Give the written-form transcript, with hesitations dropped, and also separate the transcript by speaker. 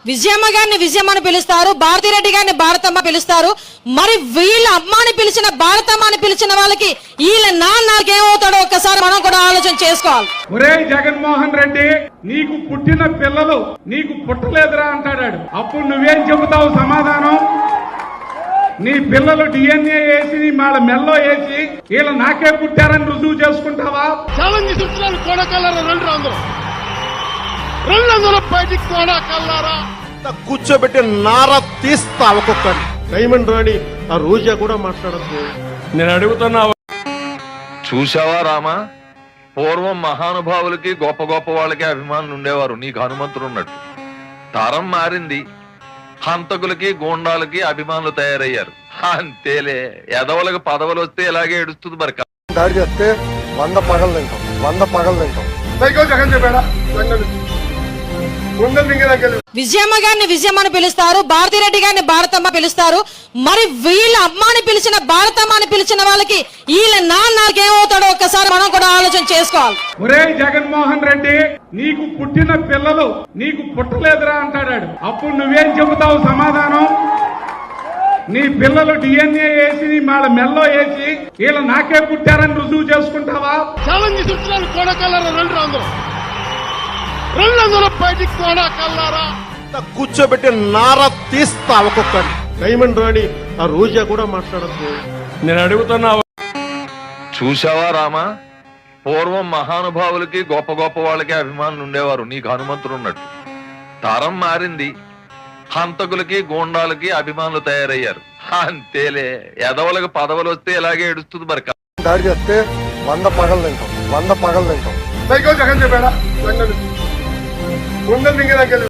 Speaker 1: విజయమ్మ గారిని విజయమ్మ అని పిలుస్తారు, భారతిరెడ్డి గారిని భారతమ్మ పిలుస్తారు. మరి వీళ్ళ అమ్మని పిలిచిన భారతమ్మ అని పిలిచిన వాళ్ళకి వీళ్ళ నాన్నకేమవుతాడో ఒక్కసారి మనం కూడా ఆలోచన చేసుకోవాలి.
Speaker 2: ఒరే జగన్మోహన్ రెడ్డి, నీకు పుట్టిన పిల్లలు నీకు పుట్టలేదురా అంటాడాడు. అప్పుడు నువ్వేం చెబుతావు సమాధానం? నీ పిల్లలు డిఎన్ఏ వేసి వాళ్ళ మెల్లో వేసి వీళ్ళ నాకే పుట్టారని రుజువు చేసుకుంటావా?
Speaker 3: ఛాలెంజ్ చూస్తున్నారు. కోడకల్లారా రెండు బయటికి కోడకల్లారా
Speaker 4: కూర్చోబెట్టి నార తీస్తా ఒక్కొక్కటి.
Speaker 3: డైమండ్ రాణి ఆ రోజా కూడా మాట్లాడద్దు.
Speaker 2: నేను అడుగుతున్నా,
Speaker 5: చూసావా రామా, పూర్వం మహానుభావులకి గొప్ప గొప్ప వాళ్ళకి అభిమానులు ఉండేవారు, నీకు హనుమంతుడు ఉన్నట్టు. తరం మారింది, హంతకులకి గూండాలకి అభిమానులు తయారయ్యారు. అంతేలే, ఎదవలకు పదవులు వస్తే ఇలాగే ఏడుస్తుంది. మరి
Speaker 4: దాడి చేస్తే 100 పగలు తింటాం, 100 పగలు తింటాం.
Speaker 3: జగన్ చెప్పాడా?
Speaker 1: విజయమ్మ గారిని విజయమ్మ అని పిలుస్తారు, భారతిరెడ్డి గారిని భారతమ్మ పిలుస్తారు. మరి వీళ్ళ అమ్మని పిలిచిన భారతమ్మ అని పిలిచిన వాళ్ళకి వీళ్ళ నాన్నకేమవుతాడో ఒక్కసారి మనం కూడా ఆలోచన చేసుకోవాలి.
Speaker 2: ఒరే జగన్మోహన్ రెడ్డి, నీకు పుట్టిన పిల్లలు నీకు పుట్టలేదురా అంటాడాడు. అప్పుడు నువ్వేం చెబుతావు సమాధానం? నీ పిల్లలు డిఎన్ఏ వేసి వాళ్ళ మెల్లో వేసి వీళ్ళ నాకే పుట్టారని రుజువు చేసుకుంటావా?
Speaker 3: ఛాలెంజ్ చూస్తున్నారు. కోడకల్లారా రెండు బయటికి కోడకల్లారా
Speaker 4: కూర్చోబెట్టి నార తీస్తా ఒక్కొక్కటి.
Speaker 3: డైమండ్ రాణి ఆ రోజా కూడా మాట్లాడద్దు.
Speaker 2: నేను అడుగుతున్నా,
Speaker 5: చూసావా రామా, పూర్వం మహానుభావులకి గొప్ప గొప్ప వాళ్ళకి అభిమానులు ఉండేవారు, నీకు హనుమంతుడు ఉన్నట్టు. తరం మారింది, హంతకులకి గూండాలకి అభిమానులు తయారయ్యారు. అంతేలే, ఎదవలకు పదవులు వస్తే ఇలాగే ఏడుస్తుంది. మరి
Speaker 4: దాడి చేస్తే 100 పగలు తింటాం, 100 పగలు తింటాం.
Speaker 3: జగన్ చెప్పాడా?